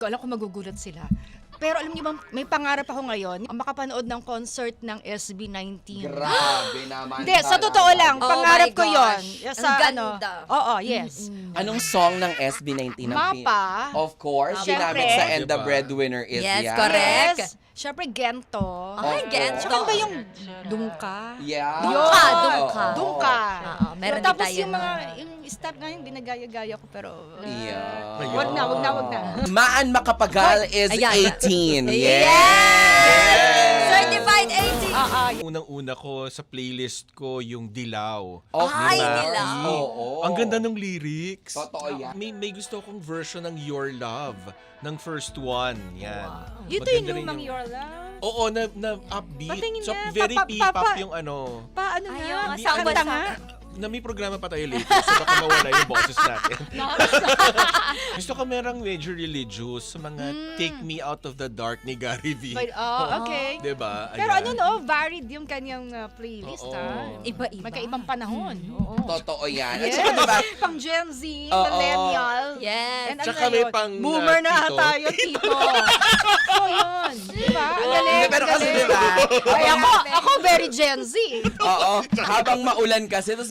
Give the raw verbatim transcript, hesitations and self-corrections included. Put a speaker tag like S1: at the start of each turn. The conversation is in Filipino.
S1: Alam ko magugulat sila. Pero alam niyo ba, may pangarap ako ngayon, ang makapanood ng concert ng S B nineteen.
S2: Grabe naman.
S1: Hindi, sa totoo lang,
S3: Oh
S1: pangarap
S3: my
S1: ko yon.
S3: gosh.
S1: Sa,
S3: Ang
S1: ano,
S3: ganda.
S1: Oo, yes.
S2: Anong song ng S B nineteen? ang pin-
S1: Mapa.
S2: Of course,
S1: Siyempre.
S2: ginamit sa And the
S4: Diba?
S2: Breadwinner is
S3: Yes,
S2: yan.
S3: correct.
S1: Yes. Siyempre, Gento.
S3: Ay,
S2: Oo.
S3: Gento.
S1: Tsaka ba yung Dungka?
S2: Yeah.
S3: Dungka,
S1: Yun.
S3: dungka.
S1: Dungka.
S3: Oo, meron din
S1: Tapos
S3: tayo
S1: yung mga,
S3: nun.
S1: yung step nga yung ginagaya-gaya ko, pero... uh,
S2: Yeah.
S1: Wag na, wag na, wag na.
S2: Maan Makapagal is
S3: Ayan.
S2: eighteen.
S3: Yes!
S2: Yes!
S3: Certified eighteen!
S1: Ah, ah,
S4: Unang-una ko sa playlist ko yung Dilaw.
S2: Of
S3: Ay,
S2: course.
S3: Dilaw.
S2: Oo.
S4: Ang ganda ng lyrics.
S2: Totoo yan.
S4: May, may gusto akong version ng Your Love ng first one. Yan.
S1: Ito
S4: Maganda
S1: yung
S4: rin
S1: lumang Your Love.
S4: Oo, na, na upbeat.
S1: Patingin
S4: So,
S1: nga.
S4: very
S1: Pa- pa-
S4: P-pop
S1: pa-
S4: yung ano.
S1: Paano
S3: Ayaw
S1: nga?
S3: nga,
S1: Di-
S3: saan
S1: kanta
S3: bansa?
S1: nga.
S4: Na may programa pa tayo later, so baka mawala yung boses natin. Gusto ko merang medyo religious sa mga Take Me Out of the Dark ni Gary V.
S1: But, oh, okay.
S4: Diba?
S1: Pero
S4: Ayan.
S1: ano no, varied yung kanyang uh, playlist,
S4: Oo.
S1: ha?
S3: Iba-iba.
S1: Magkaibang panahon. Oo.
S2: Totoo yan. At
S1: Yes.
S2: saka diba,
S1: Pang Gen Z,
S2: Oo.
S1: millennial.
S3: Yes.
S1: And ano
S4: Tsaka
S1: na
S4: may
S1: yun?
S4: pang,
S1: Boomer
S4: uh,
S1: na
S4: tito.
S1: tayo, tito. So yun. Diba? Ang galing.
S2: Hindi, pero
S1: ang
S2: kasi
S1: galing.
S2: diba,
S1: Ay, ako, ako very Gen Z.
S2: oo, habang maulan kasi, tapos